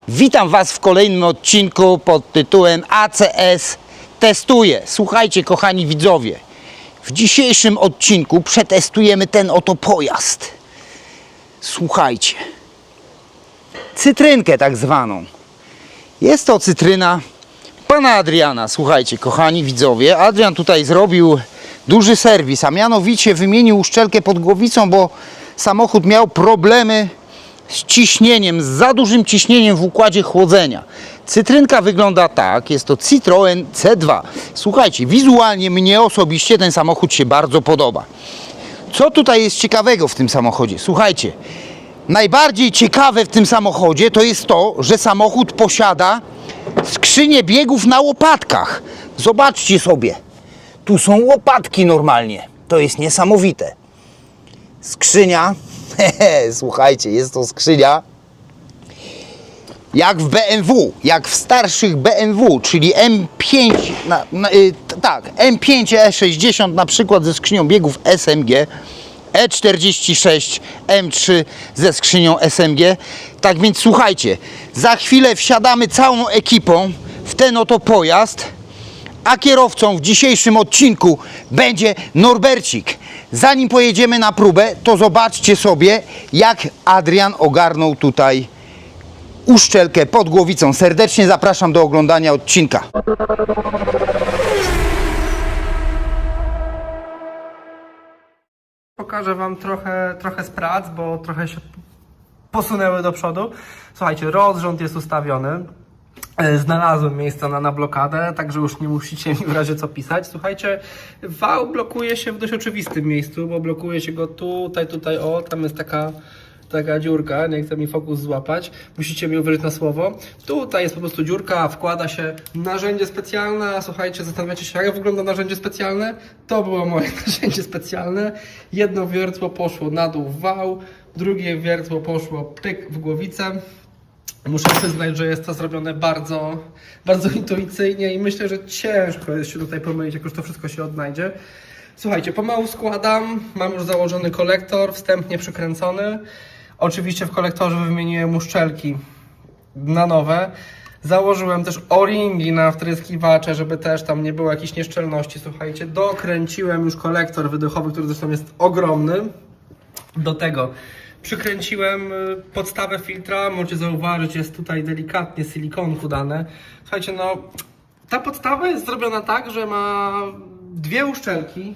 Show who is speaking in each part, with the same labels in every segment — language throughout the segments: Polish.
Speaker 1: Witam Was w kolejnym odcinku pod tytułem ACS Testuje. Słuchajcie, kochani widzowie, w dzisiejszym odcinku przetestujemy ten oto pojazd. Słuchajcie, cytrynkę tak zwaną. Jest to cytryna pana Adriana. Słuchajcie, kochani widzowie, Adrian tutaj zrobił duży serwis, a mianowicie wymienił uszczelkę pod głowicą, bo samochód miał problemy z ciśnieniem, z za dużym ciśnieniem w układzie chłodzenia. Cytrynka wygląda tak, jest to Citroen C2. Słuchajcie, wizualnie mnie osobiście ten samochód się bardzo podoba. Co tutaj jest ciekawego w tym samochodzie? Słuchajcie, najbardziej ciekawe w tym samochodzie to jest to, że samochód posiada skrzynię biegów na łopatkach. Zobaczcie sobie, tu są łopatki normalnie, to jest niesamowite. Skrzynia, słuchajcie, jest to skrzynia jak w BMW, jak w starszych BMW, czyli M5, M5 E60 na przykład ze skrzynią biegów SMG, E46 M3 ze skrzynią SMG. Tak więc słuchajcie, za chwilę wsiadamy całą ekipą w ten oto pojazd, a kierowcą w dzisiejszym odcinku będzie Norbercik. Zanim pojedziemy na próbę, to zobaczcie sobie, jak Adrian ogarnął tutaj uszczelkę pod głowicą. Serdecznie zapraszam do oglądania odcinka.
Speaker 2: Pokażę Wam trochę z prac, bo trochę się posunęły do przodu. Słuchajcie, rozrząd jest ustawiony. Znalazłem miejsce na blokadę, także już nie musicie mi w razie co pisać. Słuchajcie, wał blokuje się w dość oczywistym miejscu, bo blokuje się go tutaj, o, tam jest taka dziurka, nie chcę mi fokus złapać, musicie mi uwierzyć na słowo. Tutaj jest po prostu dziurka, wkłada się narzędzie specjalne. Słuchajcie, zastanawiacie się, jak wygląda narzędzie specjalne? To było moje narzędzie specjalne. Jedno wiertło poszło na dół w wał, drugie wiertło poszło pyk w głowicę. Muszę przyznać, że jest to zrobione bardzo, bardzo intuicyjnie i myślę, że ciężko jest się tutaj pomylić, jak już to wszystko się odnajdzie. Słuchajcie, pomału składam, mam już założony kolektor, wstępnie przykręcony. Oczywiście w kolektorze wymieniłem uszczelki na nowe. Założyłem też o-ringi na wtryskiwacze, żeby też tam nie było jakichś nieszczelności. Słuchajcie, dokręciłem już kolektor wydechowy, który zresztą jest ogromny. Do tego przykręciłem podstawę filtra, możecie zauważyć, jest tutaj delikatnie silikonku dane. Słuchajcie, no ta podstawa jest zrobiona tak, że ma dwie uszczelki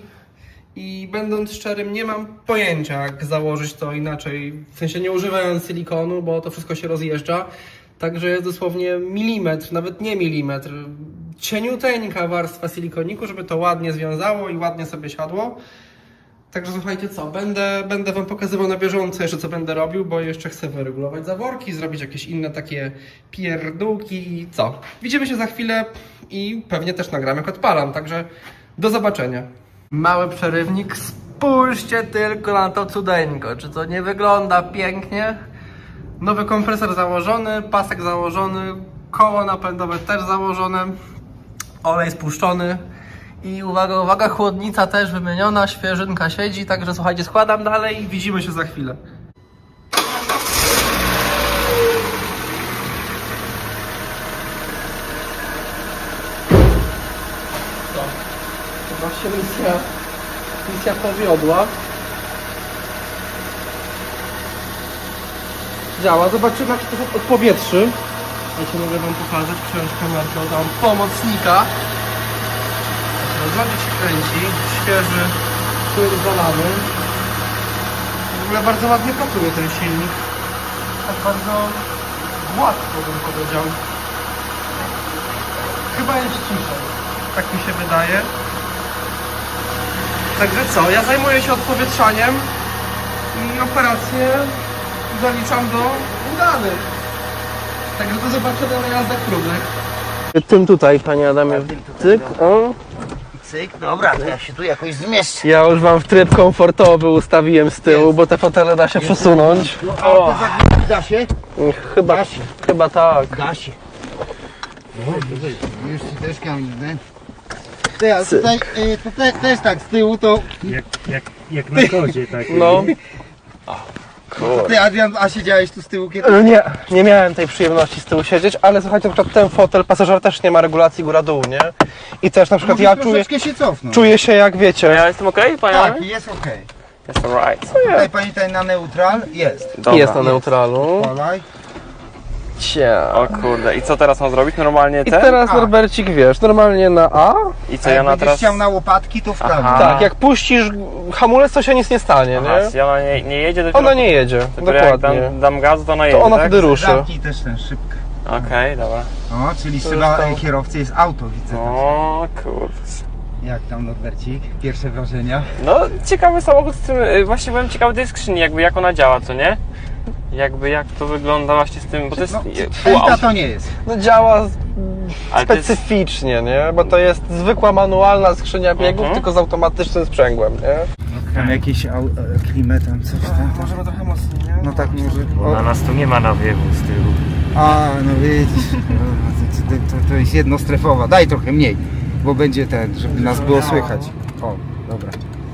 Speaker 2: i będąc szczerym, nie mam pojęcia, jak założyć to inaczej, w sensie nie używając silikonu, bo to wszystko się rozjeżdża. Także jest dosłownie milimetr, nawet nie milimetr, cieniuteńka warstwa silikoniku, żeby to ładnie związało i ładnie sobie siadło. Także słuchajcie co, będę Wam pokazywał na bieżąco jeszcze co będę robił, bo jeszcze chcę wyregulować zaworki, zrobić jakieś inne takie pierdółki i co. Widzimy się za chwilę i pewnie też nagram jak odpalam, także do zobaczenia. Mały przerywnik, spójrzcie tylko na to cudeńko, czy to nie wygląda pięknie? Nowy kompresor założony, pasek założony, koło napędowe też założone, olej spuszczony. I uwaga, uwaga, chłodnica też wymieniona, świeżynka siedzi, także słuchajcie, składam dalej i widzimy się za chwilę. Chyba się misja powiodła. Działa, zobaczymy jak się to odpowietrzy. Ja się mogę Wam pokazać, przyjąć kamerkę, dam pomocnika. Rozwodnik się kręci, świeży płyn zalany. W ogóle bardzo ładnie pracuje ten silnik. Tak bardzo gładko bym powiedział. Chyba jest ciszej, tak mi się wydaje. Także co, ja zajmuję się odpowietrzaniem i operację zaliczam do udanych. Także do zobaczenia na jazdach próbnych. Tym tutaj, panie Adamie, cyk, o.
Speaker 1: Cyk, dobra, to ja się tu jakoś zmieszczę.
Speaker 2: Ja już Wam w tryb komfortowy ustawiłem z tyłu, bo te fotele da się przesunąć.
Speaker 1: O, da się?
Speaker 2: Chyba tak.
Speaker 1: Da się. Już ci też kamiznę. Teraz tutaj też tak z tyłu to...
Speaker 3: Jak na kozie tak.
Speaker 2: No.
Speaker 3: Kurde.
Speaker 1: Ty, Adrian, a siedziałeś tu z tyłu kiedyś?
Speaker 2: Nie miałem tej przyjemności z tyłu siedzieć, ale słuchajcie, na przykład ten fotel pasażer też nie ma regulacji góra-dół, nie? I też na przykład
Speaker 1: Możesz
Speaker 2: ja czuję,
Speaker 1: troszeczkę się cofnąć.
Speaker 2: czuję się jak wiecie.
Speaker 3: Ja jestem okej, panie?
Speaker 1: Tak, jest okej.
Speaker 3: Jest alright.
Speaker 1: Tutaj pamiętaj na neutral, jest.
Speaker 3: Dobra.
Speaker 2: Jest na neutralu.
Speaker 1: Polaj.
Speaker 2: Cia.
Speaker 3: O kurde, i co teraz mam zrobić? Normalnie
Speaker 2: I
Speaker 3: ten?
Speaker 2: teraz
Speaker 1: A.
Speaker 2: Norbercik, wiesz, normalnie na A.
Speaker 3: I co
Speaker 1: A
Speaker 3: ja
Speaker 1: jak
Speaker 3: na
Speaker 1: będziesz
Speaker 3: teraz...
Speaker 1: chciał na łopatki, to w prawo.
Speaker 3: Aha.
Speaker 2: Tak, jak puścisz hamulec, to się nic nie stanie,
Speaker 3: Aha,
Speaker 2: nie?
Speaker 3: czyli ona nie jedzie dopiero...
Speaker 2: Ona nie jedzie,
Speaker 3: Dopiero jak
Speaker 2: dokładnie.
Speaker 3: dam gazu, to ona jedzie,
Speaker 2: To ona
Speaker 3: tak?
Speaker 2: wtedy ruszy.
Speaker 1: Zamknij też ten szybkę.
Speaker 3: Okej, dobra.
Speaker 1: O, czyli
Speaker 2: To
Speaker 1: szyba
Speaker 2: jest tam-
Speaker 1: kierowcy jest auto, widzę.
Speaker 3: O kurde.
Speaker 1: Jak tam, Norbercik? Pierwsze wrażenia?
Speaker 3: No, ciekawy samochód z tym... Właśnie byłem ciekawy tej skrzyni, jakby jak ona działa, co nie? Jakby jak to wygląda właśnie z tym, bo to jest...
Speaker 1: No,
Speaker 3: pół
Speaker 1: Elta
Speaker 3: auto,
Speaker 1: to nie jest.
Speaker 2: No działa
Speaker 3: ale to jest...
Speaker 2: specyficznie, nie? Bo to jest zwykła manualna skrzynia biegów,
Speaker 3: Mhm.
Speaker 2: tylko z automatycznym sprzęgłem, nie?
Speaker 1: Tam jakieś klimę, tam coś tam.
Speaker 2: Możemy trochę mocniej, nie?
Speaker 1: No tak może.
Speaker 4: Na nas tu nie ma nawiewu z tyłu.
Speaker 1: A, no widzisz. To jest jednostrefowa. Daj trochę mniej, bo będzie ten, żeby nas było słychać. O, dobra.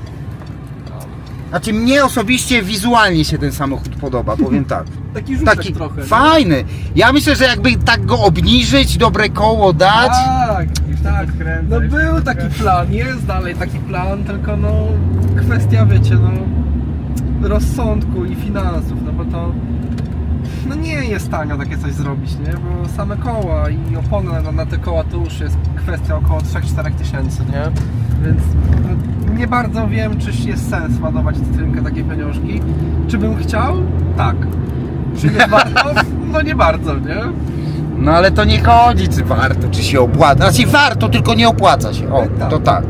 Speaker 1: Znaczy mnie osobiście wizualnie się ten samochód podoba, powiem tak.
Speaker 2: Taki rzutek
Speaker 1: Taki
Speaker 2: trochę. nie?
Speaker 1: fajny. Ja myślę, że jakby tak go obniżyć, dobre koło dać.
Speaker 2: Tak. No był taki plan, jest dalej taki plan, tylko no kwestia, wiecie, no rozsądku i finansów, no bo to no nie jest tanio takie coś zrobić, nie? Bo same koła i opony na te koła to już jest kwestia około 3-4 tysięcy, nie? Więc no, nie bardzo wiem, czy jest sens ładować w cytrynkę takie pieniążki. Czy bym chciał? Tak. Czy nie warto? No nie bardzo, nie?
Speaker 1: No ale to nie chodzi, czy warto, czy się opłaca. Znaczy warto, tylko nie opłaca się. O,
Speaker 2: Tak.
Speaker 1: to tak.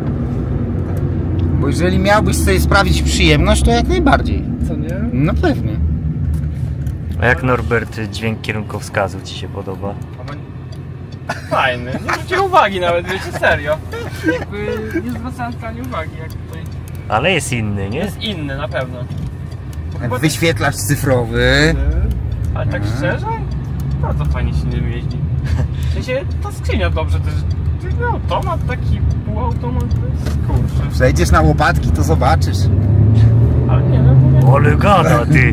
Speaker 1: Bo jeżeli miałbyś sobie sprawić przyjemność, to jak najbardziej.
Speaker 2: Co nie?
Speaker 1: No pewnie.
Speaker 4: A jak Norbert dźwięk kierunkowskazu ci się podoba?
Speaker 3: Fajny, nie zwróciłem uwagi nawet, wiecie, serio. Jakby nie zwracałem wcale uwagi, jak tutaj...
Speaker 4: Ale jest inny, nie?
Speaker 3: Jest inny, na pewno.
Speaker 1: Wyświetlacz cyfrowy.
Speaker 3: Ale tak szczerze, bardzo fajnie się nim jeździ. W sensie, ta skrzynia dobrze też... Automat taki, półautomat, to jest kurczę.
Speaker 1: Przejdziesz na łopatki, to zobaczysz.
Speaker 3: Ale nie, no mówię...
Speaker 4: Ale gada ty!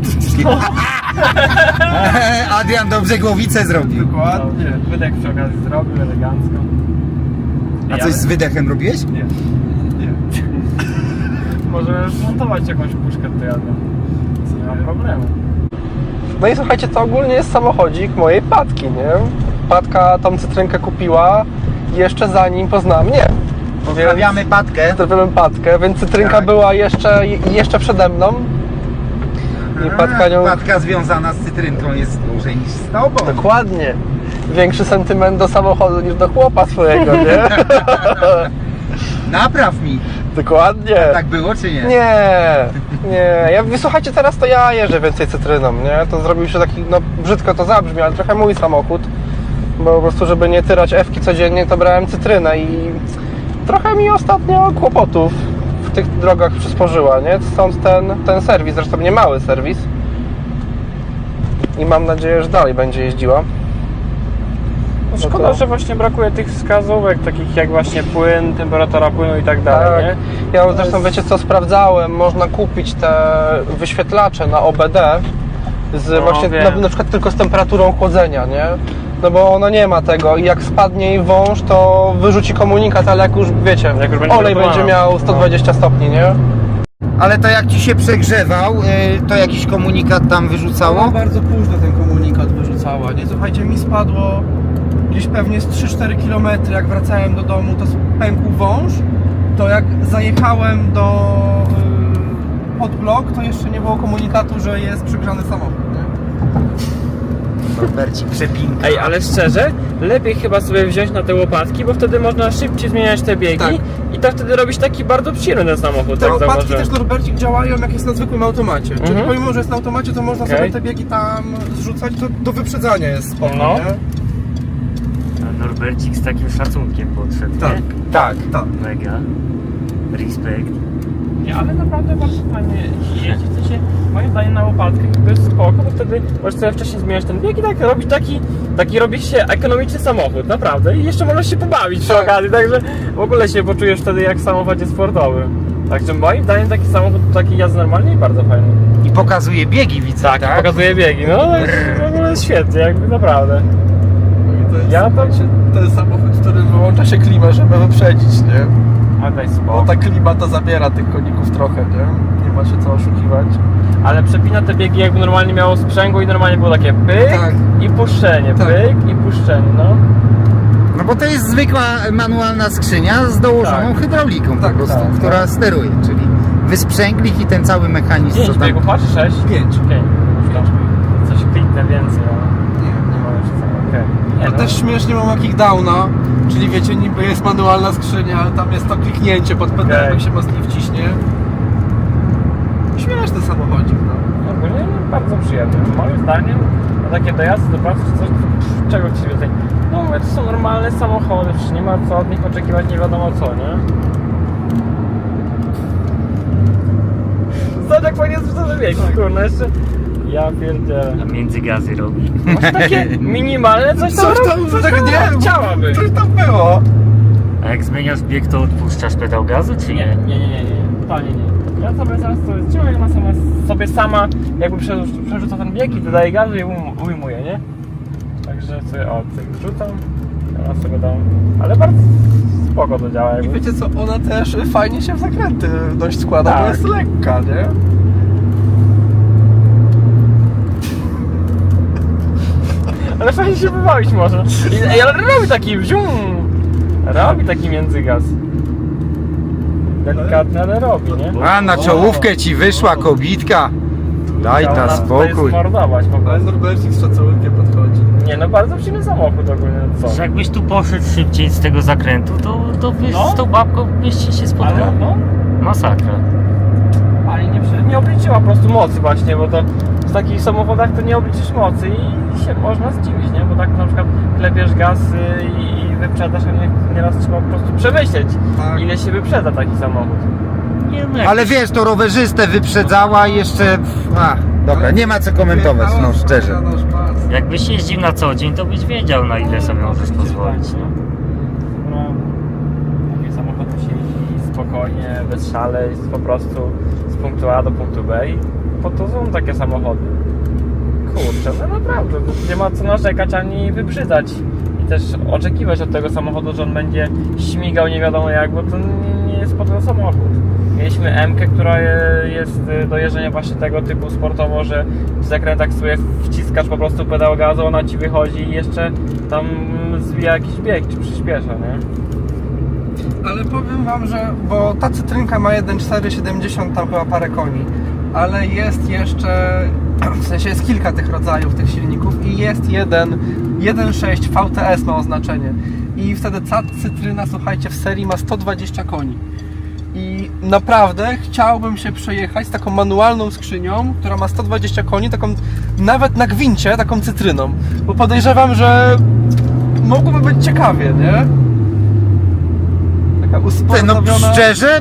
Speaker 1: Adrian dobrze głowicę zrobił.
Speaker 2: Dokładnie.
Speaker 3: Wydech przy okazji zrobił, elegancko.
Speaker 1: A coś z wydechem robiłeś?
Speaker 2: Nie.
Speaker 3: Możemy montować jakąś puszkę do jadła. Nie ma problemu.
Speaker 2: No i słuchajcie, to ogólnie jest samochodzik mojej Patki, nie? Patka tą cytrynkę kupiła jeszcze zanim poznała mnie.
Speaker 1: Pozdrawiamy Patkę.
Speaker 2: Pozdrawiam Patkę, więc cytrynka
Speaker 1: Tak.
Speaker 2: była jeszcze przede mną. I Patka nią...
Speaker 1: Patka związana z cytrynką jest dłużej niż z tobą.
Speaker 2: Dokładnie. Większy sentyment do samochodu niż do chłopa swojego, nie?
Speaker 1: Napraw mi.
Speaker 2: Dokładnie.
Speaker 1: Tak było czy nie?
Speaker 2: Nie. Słuchajcie, teraz to ja jeżdżę więcej cytryną, nie? To zrobił się taki, no brzydko to zabrzmi, ale trochę mój samochód. Bo po prostu, żeby nie tyrać F-ki codziennie, to brałem cytrynę i trochę mi ostatnio kłopotów w tych drogach przysporzyła, nie? Stąd ten serwis, zresztą nie mały serwis. I mam nadzieję, że dalej będzie jeździła.
Speaker 3: No szkoda, że właśnie brakuje tych wskazówek, takich jak właśnie płyn, temperatura płynu i tak dalej, nie?
Speaker 2: Ja zresztą wiecie co sprawdzałem, można kupić te wyświetlacze na OBD z
Speaker 3: No,
Speaker 2: właśnie
Speaker 3: wiem.
Speaker 2: na przykład tylko z temperaturą chłodzenia, nie? No bo ona nie ma tego i jak spadnie jej wąż, to wyrzuci komunikat, ale jak już wiecie,
Speaker 3: Jak już będzie
Speaker 2: olej
Speaker 3: gotowana.
Speaker 2: będzie miał 120 stopni, nie?
Speaker 1: Ale to jak ci się przegrzewał, to jakiś komunikat tam wyrzucało?
Speaker 2: bardzo późno ten komunikat wyrzucała, nie? Słuchajcie, mi spadło gdzieś pewnie z 3-4 km, jak wracałem do domu, to pękł wąż, to jak zajechałem pod blok, to jeszcze nie było komunikatu, że jest przygrzany samochód, nie?
Speaker 1: Norbercik, przepinka.
Speaker 3: Ej, ale szczerze, lepiej chyba sobie wziąć na te łopatki, bo wtedy można szybciej zmieniać te biegi
Speaker 2: Tak.
Speaker 3: i tak wtedy robisz taki bardzo przyjemny ten samochód,
Speaker 2: Te
Speaker 3: tak
Speaker 2: łopatki
Speaker 3: zauważyłem.
Speaker 2: też, Norbercik, działają jak jest na zwykłym automacie. Czyli pomimo, że jest na automacie, to można
Speaker 3: Okej.
Speaker 2: sobie te biegi tam zrzucać, do wyprzedzania jest spoko,
Speaker 3: No.
Speaker 2: nie?
Speaker 4: A Norbercik z takim szacunkiem podszedł,
Speaker 2: Tak.
Speaker 4: nie?
Speaker 1: Tak.
Speaker 4: Mega. Respekt.
Speaker 3: Nie, ale naprawdę bardzo fajnie jeździ, w sensie moim zdaniem na łopatkę jakby jest spoko, bo wtedy możesz sobie wcześniej zmieniać ten bieg i tak robić taki robi się ekonomiczny samochód, naprawdę. I jeszcze możesz się pobawić przy
Speaker 2: Tak.
Speaker 3: okazji, także w ogóle się poczujesz wtedy jak w samochodzie sportowym. Także moim zdaniem taki samochód, taki jazdy normalnie i bardzo fajny.
Speaker 1: I pokazuje biegi, widzę,
Speaker 3: Tak,
Speaker 1: tak?
Speaker 3: i pokazuje biegi. No w ogóle jest świetnie, jakby naprawdę.
Speaker 2: To jest,
Speaker 3: Ja to-
Speaker 2: słuchajcie, ten samochód, w którym wyłącza się klimę, żeby wyprzedzić, nie?
Speaker 3: Ale daj
Speaker 2: Bo
Speaker 3: spokój.
Speaker 2: ta klima to zabiera tych koników trochę, nie? Nie ma się co oszukiwać.
Speaker 3: Ale przepina te biegi, jakby normalnie miało sprzęgło i normalnie było takie pyk
Speaker 2: Tak.
Speaker 3: i puszczenie,
Speaker 2: Tak.
Speaker 3: pyk i puszczenie, no.
Speaker 1: No bo to jest zwykła manualna skrzynia z dołożoną
Speaker 3: Tak.
Speaker 1: hydrauliką
Speaker 2: Tak,
Speaker 1: po prostu,
Speaker 2: tak,
Speaker 1: która steruje, czyli wysprzęglik i ten cały mechanizm,
Speaker 3: 5
Speaker 1: co tam...
Speaker 3: biegów, masz 6?
Speaker 2: 5.
Speaker 3: 5. Coś kliknę więcej, ale nie ma już co. Okej. Nie,
Speaker 2: Ja
Speaker 3: no.
Speaker 2: też śmiesznie mam jakiś downa, czyli wiecie, niby jest manualna skrzynia, ale tam jest to kliknięcie pod pedałem,
Speaker 3: Okej.
Speaker 2: jak się mocniej wciśnie. Śmieszny samochodzik, no.
Speaker 3: Ogólnie bardzo przyjemny. Moim zdaniem na takie dojazdy do pracy czy coś, to czego ci więcej? No mówię, to są normalne samochody, przecież nie ma co od nich oczekiwać nie wiadomo co, nie? Zobacz jak fajnie zrzucone biegi, kurna, jeszcze... Ja pierdzielę.
Speaker 4: A międzygazy robi.
Speaker 3: Masz takie minimalne coś tam,
Speaker 2: Coś tam, tak nie,
Speaker 3: chciałaby.
Speaker 2: coś tam było.
Speaker 4: A jak zmieniasz bieg, to odpuszczasz pedał gazu, czy nie?
Speaker 3: Nie. Totalnie nie. Ja sobie zaraz to jest działa, ona sobie sama jakby przerzuca ten bieg i dodaje gazu i ujmuje, nie? Także sobie cyk wrzucam, ona sobie dam. Ale bardzo spoko to działa
Speaker 2: I
Speaker 3: jakby.
Speaker 2: wiecie co, ona też fajnie się w zakręty dość składa, bo
Speaker 3: Tak.
Speaker 2: jest lekka, nie?
Speaker 3: Ale fajnie się wybawić może. Ale robi taki wzium. Robi taki międzygaz. Delikatny, ale robi, nie?
Speaker 1: A, na czołówkę ci wyszła kobitka. Daj
Speaker 3: Ona
Speaker 1: ta
Speaker 3: tutaj
Speaker 1: spokój.
Speaker 3: zmordować po
Speaker 2: Ale
Speaker 3: prostu.
Speaker 2: Norbercik z szacunkiem podchodzi.
Speaker 3: Nie no, bardzo przyjemny samochód ogólnie, co?
Speaker 4: Że jakbyś tu poszedł szybciej z tego zakrętu, to byś
Speaker 3: No.
Speaker 4: z tą babką byście się
Speaker 3: Ale
Speaker 4: spotkali.
Speaker 3: no,
Speaker 4: Masakra.
Speaker 3: ale nie obliczyła po prostu mocy właśnie, bo to w takich samochodach to nie obliczysz mocy i się można zdziwić, nie? Bo tak na przykład klepiesz gaz i wyprzedasz, a nieraz trzeba po prostu przemyśleć,
Speaker 2: Tak.
Speaker 3: ile się wyprzeda taki samochód.
Speaker 4: Nie, no jak
Speaker 1: Ale wiesz, to rowerzystę wyprzedzała i jeszcze... A, dobra, nie ma co komentować, no szczerze.
Speaker 4: Jakbyś jeździł na co dzień, to byś wiedział, na ile sobie możesz pozwolić. No.
Speaker 3: No, taki samochód musi jeździć spokojnie, bez szaleństw, po prostu z punktu A do punktu B i po to są takie samochody. Kurczę, no naprawdę, nie ma co narzekać ani wybrzydzać i też oczekiwać od tego samochodu, że on będzie śmigał nie wiadomo jak, bo to nie jest po to samochód. Mieliśmy M-kę, która jest do jeżdżenia właśnie tego typu sportowo, że w zakrętach sobie wciskasz po prostu pedał gazu, ona ci wychodzi i jeszcze tam zwija jakiś bieg, czy przyspiesza, nie?
Speaker 2: Ale powiem wam, że, bo ta cytrynka ma 1.470, tam chyba parę koni, ale jest jeszcze, w sensie jest kilka tych rodzajów tych silników i jest 1.6 VTS ma oznaczenie i wtedy ta cytryna, słuchajcie, w serii ma 120 koni. I naprawdę chciałbym się przejechać z taką manualną skrzynią, która ma 120 koni, taką nawet na gwincie, taką cytryną, bo podejrzewam, że mogłoby być ciekawie, nie? Taka
Speaker 1: No
Speaker 2: usportowiona...
Speaker 1: szczerze,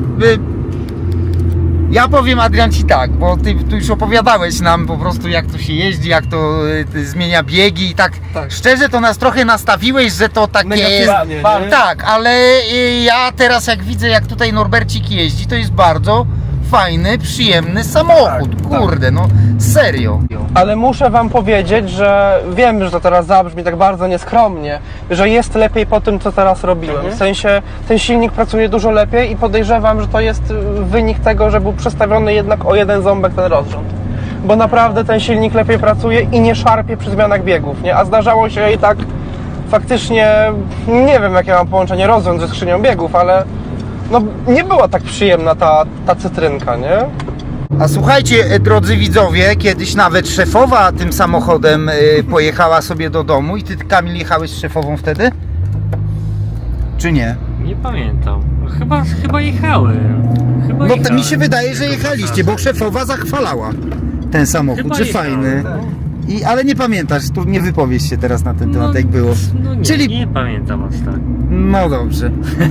Speaker 1: ja powiem, Adrian, ci tak, bo ty tu już opowiadałeś nam po prostu jak to się jeździ, jak to zmienia biegi i tak,
Speaker 2: Tak.
Speaker 1: szczerze to nas trochę nastawiłeś, że to takie jest...
Speaker 2: Negatywnie, nie?
Speaker 1: Tak, ale ja teraz jak widzę, jak tutaj Norbercik jeździ, to jest bardzo fajny, przyjemny samochód,
Speaker 2: Tak,
Speaker 1: kurde, no serio.
Speaker 2: Ale muszę wam powiedzieć, że wiem, że to teraz zabrzmi tak bardzo nieskromnie, że jest lepiej po tym, co teraz robiłem. W sensie ten silnik pracuje dużo lepiej i podejrzewam, że to jest wynik tego, że był przestawiony jednak o jeden ząbek ten rozrząd. Bo naprawdę ten silnik lepiej pracuje i nie szarpie przy zmianach biegów, nie? A zdarzało się i tak faktycznie, nie wiem jakie mam połączenie rozrząd ze skrzynią biegów, ale no nie była tak przyjemna ta cytrynka, nie?
Speaker 1: A słuchajcie, drodzy widzowie, kiedyś nawet szefowa tym samochodem pojechała sobie do domu i ty, Kamil, jechałeś z szefową wtedy? Czy nie?
Speaker 4: Nie pamiętam. Chyba jechałem. Chyba
Speaker 1: No to
Speaker 4: jechałem.
Speaker 1: mi się wydaje, że jechaliście, bo szefowa zachwalała ten samochód,
Speaker 4: Chyba
Speaker 1: że
Speaker 4: jechałem.
Speaker 1: fajny. Ale nie pamiętasz, tu nie wypowiesz się teraz na ten temat, jak było.
Speaker 4: No nie,
Speaker 1: Czyli-
Speaker 4: nie pamiętam aż tak.
Speaker 1: No dobrze.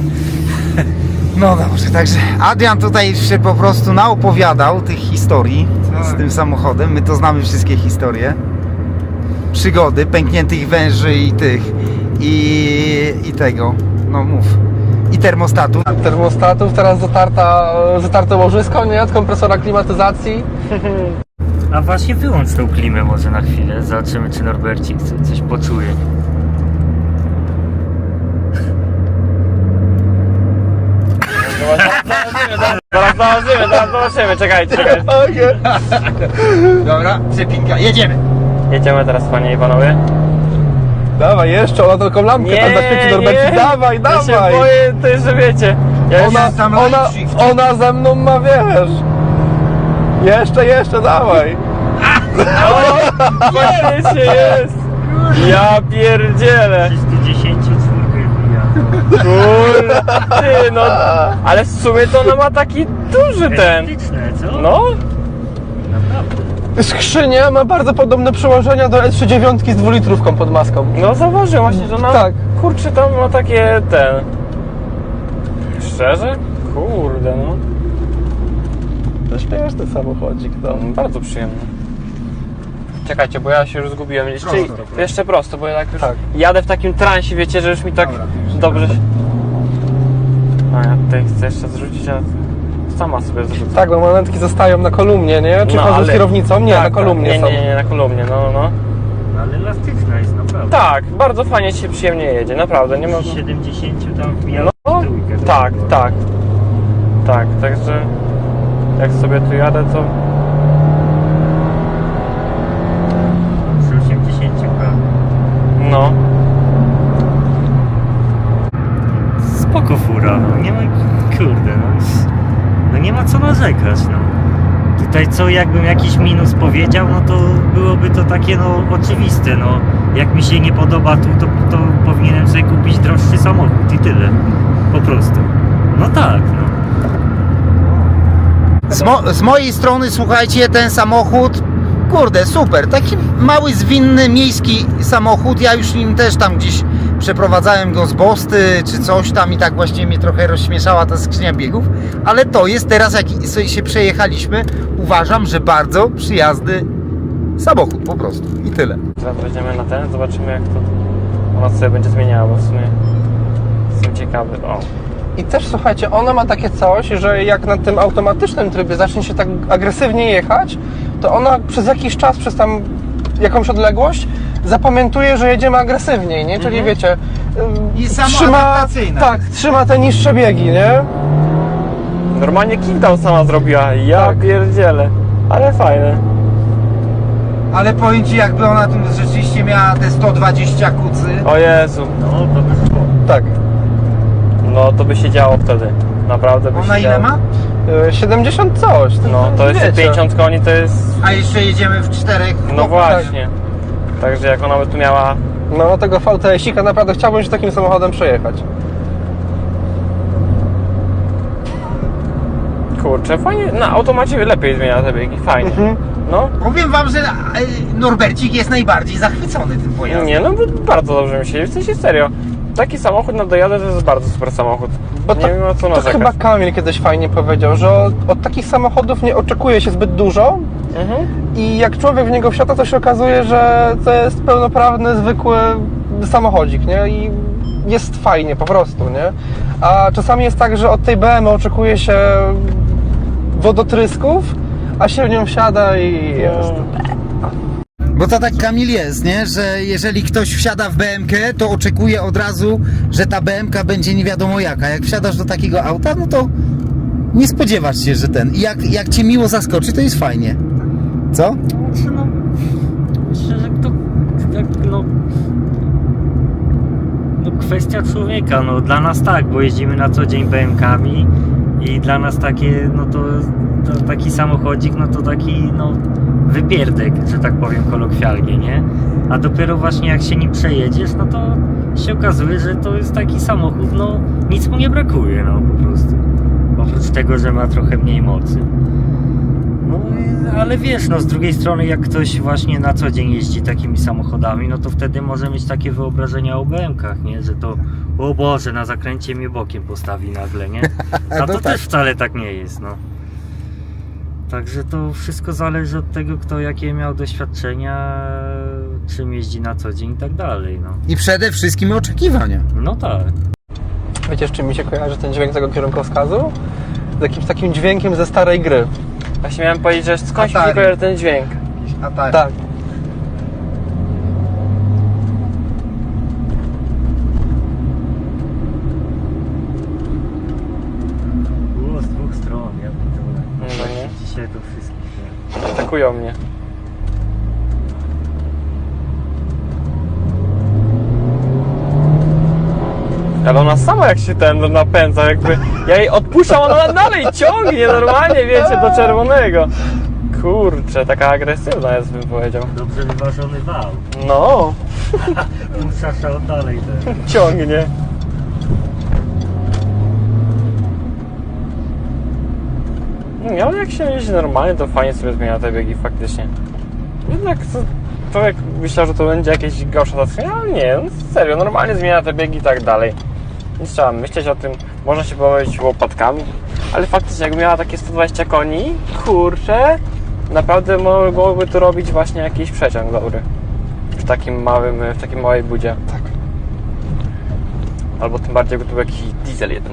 Speaker 1: No dobrze, także Adrian tutaj się po prostu naopowiadał tych historii z
Speaker 2: Tak.
Speaker 1: tym samochodem. My to znamy wszystkie historie. Przygody, pękniętych węży i tych. I tego. No mów. I termostatu.
Speaker 2: Termostatów, teraz zatarte łożysko, nie? Od kompresora klimatyzacji.
Speaker 4: A właśnie wyłącz tą klimę może na chwilę. Zobaczymy, czy Norbercik coś poczuje.
Speaker 3: Zaraz zobaczymy, czekajcie.
Speaker 1: Dobra, cepinka, jedziemy.
Speaker 3: Jedziemy teraz, panie i panowie.
Speaker 2: Dawaj, jeszcze, ona tylko lampkę tam zaświeci Norbercik. Dawaj,
Speaker 3: Ja się
Speaker 2: dawaj!
Speaker 3: boję, to jest, że wiecie. Ja
Speaker 2: Ona ze mną ma, wiesz. Jeszcze, dawaj.
Speaker 3: faktycznie jest. Ja pierdzielę.
Speaker 4: 310 czwórkę bija.
Speaker 3: Kurde, ty, no. Ale w sumie to ona ma taki duży ten.
Speaker 4: Elastyczne, co?
Speaker 3: No.
Speaker 4: Naprawdę.
Speaker 2: Skrzynia ma bardzo podobne przyłożenia do S39 z 2-litrówką pod maską.
Speaker 3: No zauważyłem właśnie, że ona,
Speaker 2: Tak.
Speaker 3: kurczę, tam ma takie, Szczerze? Kurde, no.
Speaker 2: To śmieszny samochodzik, no.
Speaker 3: Bardzo przyjemny. Czekajcie, bo ja się już zgubiłem. Jeszcze prosto, bo ja tak już
Speaker 2: Tak.
Speaker 3: jadę w takim transie, wiecie, że już mi tak
Speaker 1: Dobra.
Speaker 3: dobrze się... A ja tutaj chcę jeszcze zrzucić, a sama sobie zrzucę.
Speaker 2: Tak, bo manetki zostają na kolumnie, nie? Czy
Speaker 3: No,
Speaker 2: chodzą z
Speaker 3: ale-
Speaker 2: kierownicą? Nie,
Speaker 3: Tak,
Speaker 2: na kolumnie
Speaker 3: tak.
Speaker 2: są.
Speaker 3: Nie, na kolumnie, no.
Speaker 4: Ale elastyczna jest naprawdę.
Speaker 3: Tak, bardzo fajnie się przyjemnie jedzie, naprawdę, nie ma...
Speaker 4: 70 tam wbijał
Speaker 3: No,
Speaker 4: trójkę.
Speaker 3: tak, także jak sobie tu jadę, to...
Speaker 4: Przy 80 prawie.
Speaker 3: No.
Speaker 4: Spoko fura, no nie ma, kurde, no nie ma co narzekać, no. Tutaj co, jakbym jakiś minus powiedział, no to byłoby to takie, no, oczywiste, no. Jak mi się nie podoba tu, to powinienem sobie kupić droższy samochód i tyle. Po prostu. No tak, no.
Speaker 1: Z mojej strony, słuchajcie, ten samochód, kurde, super, taki mały, zwinny, miejski samochód, ja już nim też tam gdzieś przeprowadzałem go z Bosty, czy coś tam i tak właśnie mnie trochę rozśmieszała ta skrzynia biegów, ale to jest teraz, jak sobie się przejechaliśmy, uważam, że bardzo przyjazny samochód po prostu i tyle.
Speaker 3: Teraz wejdziemy na ten, zobaczymy jak to ona sobie będzie zmieniała, bo w sumie jestem ciekawy. O,
Speaker 2: I też słuchajcie, ona ma takie coś, że jak na tym automatycznym trybie zacznie się tak agresywnie jechać, to ona przez jakiś czas, przez tam jakąś odległość zapamiętuje, że jedziemy agresywniej, nie? Czyli wiecie,
Speaker 1: I samoadaptacyjna.
Speaker 2: tak, trzyma te niższe biegi, nie?
Speaker 3: normalnie kickdown sama zrobiła, ja
Speaker 2: Tak.
Speaker 3: pierdzielę, ale fajne.
Speaker 1: Ale powiem Ci, jakby ona tu rzeczywiście miała te 120 kucy,
Speaker 3: O Jezu,
Speaker 4: No, to by szło.
Speaker 2: Tak.
Speaker 3: no to by się działo wtedy, naprawdę by
Speaker 1: ona
Speaker 3: się
Speaker 1: ile
Speaker 3: działo.
Speaker 1: ma?
Speaker 2: 70 coś.
Speaker 3: No to jeszcze
Speaker 2: wiecie.
Speaker 3: 50 koni to jest,
Speaker 1: A jeszcze jedziemy w 4.
Speaker 3: no właśnie. Także jak ona by tu miała,
Speaker 2: No tego VTS-ika naprawdę chciałbym się takim samochodem przejechać.
Speaker 3: kurczę, fajnie, na automacie lepiej zmienia te biegi, fajnie. No,
Speaker 1: Powiem Wam, że Norbercik jest najbardziej zachwycony tym pojazdem.
Speaker 3: nie, no bardzo dobrze mi się, w sensie serio. Taki samochód na dojadę to jest bardzo super samochód.
Speaker 2: Bo
Speaker 3: Nie wiem o co
Speaker 2: to
Speaker 3: narzekać.
Speaker 2: chyba Kamil kiedyś fajnie powiedział, że od takich samochodów nie oczekuje się zbyt dużo
Speaker 3: Mhm.
Speaker 2: i jak człowiek w niego wsiada, to się okazuje, że to jest pełnoprawny, zwykły samochodzik, nie? I jest fajnie po prostu, nie? A czasami jest tak, że od tej BMW oczekuje się wodotrysków, a się w nią wsiada i jest.
Speaker 1: Bo to tak, Kamil, jest, nie? Że jeżeli ktoś wsiada w BMK, to oczekuje od razu, że ta BMK będzie nie wiadomo jaka. Jak wsiadasz do takiego auta, no to nie spodziewasz się, że ten. I jak Cię miło zaskoczy, to jest fajnie. Co?
Speaker 4: No, myślę, że to tak, no kwestia człowieka, no dla nas tak, bo jeździmy na co dzień BM-kami i dla nas takie, no to taki samochodzik, no to taki, no wypierdek, że tak powiem kolokwialnie, nie? A dopiero właśnie jak się nim przejedziesz, no to się okazuje, że to jest taki samochód, no nic mu nie brakuje, no po prostu. Oprócz tego, że ma trochę mniej mocy. No, ale wiesz, no z drugiej strony jak ktoś właśnie na co dzień jeździ takimi samochodami, no to wtedy może mieć takie wyobrażenia o BM-kach, nie? Że to, o Boże, na zakręcie mnie bokiem postawi nagle, nie? A
Speaker 1: No
Speaker 4: to
Speaker 1: tak.
Speaker 4: też wcale tak nie jest, no. Także to wszystko zależy od tego, kto jakie miał doświadczenia, czym jeździ na co dzień i tak dalej, no.
Speaker 1: I przede wszystkim oczekiwania.
Speaker 4: No tak.
Speaker 2: Wiecie, z czym mi się kojarzy ten dźwięk tego kierunkowskazu? Z jakimś takim dźwiękiem ze starej gry.
Speaker 3: Właśnie miałem powiedzieć, że skąd się
Speaker 1: Atari.
Speaker 3: kojarzy ten dźwięk.
Speaker 1: A tak.
Speaker 2: Tak.
Speaker 4: Było z dwóch stron, ja pierdolę.
Speaker 3: No nie.
Speaker 4: Dzisiaj to wszystkich.
Speaker 3: Atakują mnie. Ale ona sama jak się ten napędza, jakby ja jej odpuszczam, ona dalej ciągnie normalnie, wiecie, do czerwonego. Kurczę, taka agresywna jest, bym powiedział.
Speaker 4: Dobrze wyważony wał.
Speaker 3: No,
Speaker 4: Szaszał dalej też.
Speaker 3: ciągnie. Nie, ale jak się jeździ normalnie, to fajnie sobie zmienia te biegi faktycznie. Jednak to, człowiek myślał, że to będzie jakieś gorsze zaskoczenie, ale nie, no serio, normalnie zmienia te biegi i tak dalej. Nie trzeba myśleć o tym, można się bawić łopatkami, ale faktycznie jak miała takie 120 koni, kurczę, naprawdę mogłoby tu robić właśnie jakiś przeciąg dobry. W takim małej budzie.
Speaker 2: Tak.
Speaker 3: Albo tym bardziej, jakby tu był jakiś diesel 1.9.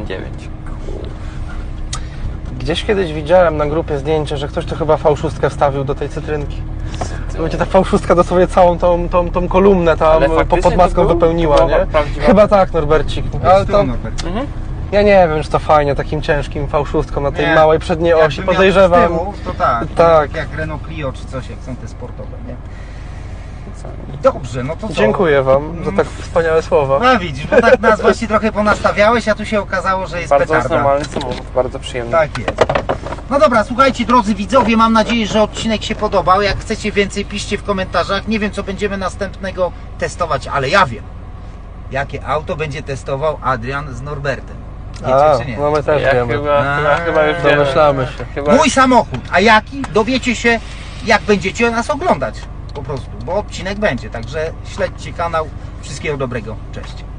Speaker 2: Gdzieś kiedyś widziałem na grupie zdjęcie, że ktoś tu chyba V6 wstawił do tej cytrynki. To będzie ta V6 dosłownie całą tą kolumnę tam
Speaker 3: Ale faktycznie
Speaker 2: pod maską
Speaker 3: to był?
Speaker 2: wypełniła,
Speaker 3: To była
Speaker 2: nie?
Speaker 3: prawdziwa?
Speaker 2: Chyba tak, Norbercik. Ale to,
Speaker 3: Mhm.
Speaker 2: ja nie wiem, czy to fajnie takim ciężkim V6 na tej
Speaker 1: Nie.
Speaker 2: małej przedniej
Speaker 1: Jakby
Speaker 2: osi,
Speaker 1: miał
Speaker 2: podejrzewam.
Speaker 1: z tyłu, to tak,
Speaker 2: Tak.
Speaker 1: jak Renault Clio czy coś, jak są te sportowe, nie? Dobrze, no to co?
Speaker 2: Dziękuję Wam za tak wspaniałe słowa.
Speaker 1: No widzisz, bo tak nas właśnie trochę ponastawiałeś, a tu się okazało, że jest
Speaker 3: Bardzo jest
Speaker 1: petarda.
Speaker 3: normalny samochód, bardzo przyjemny.
Speaker 1: Tak jest. No dobra, słuchajcie drodzy widzowie, mam nadzieję, że odcinek się podobał. Jak chcecie więcej, piszcie w komentarzach. Nie wiem, co będziemy następnego testować, ale ja wiem. Jakie auto będzie testował Adrian z Norbertem. Wiecie czy nie?
Speaker 2: no my też
Speaker 3: Ja
Speaker 2: wiemy.
Speaker 3: chyba już wiem.
Speaker 2: Domyślamy się.
Speaker 3: Chyba...
Speaker 1: Mój samochód, a jaki? Dowiecie się, jak będziecie nas oglądać. Po prostu, bo odcinek będzie. Także śledźcie kanał. Wszystkiego dobrego. Cześć.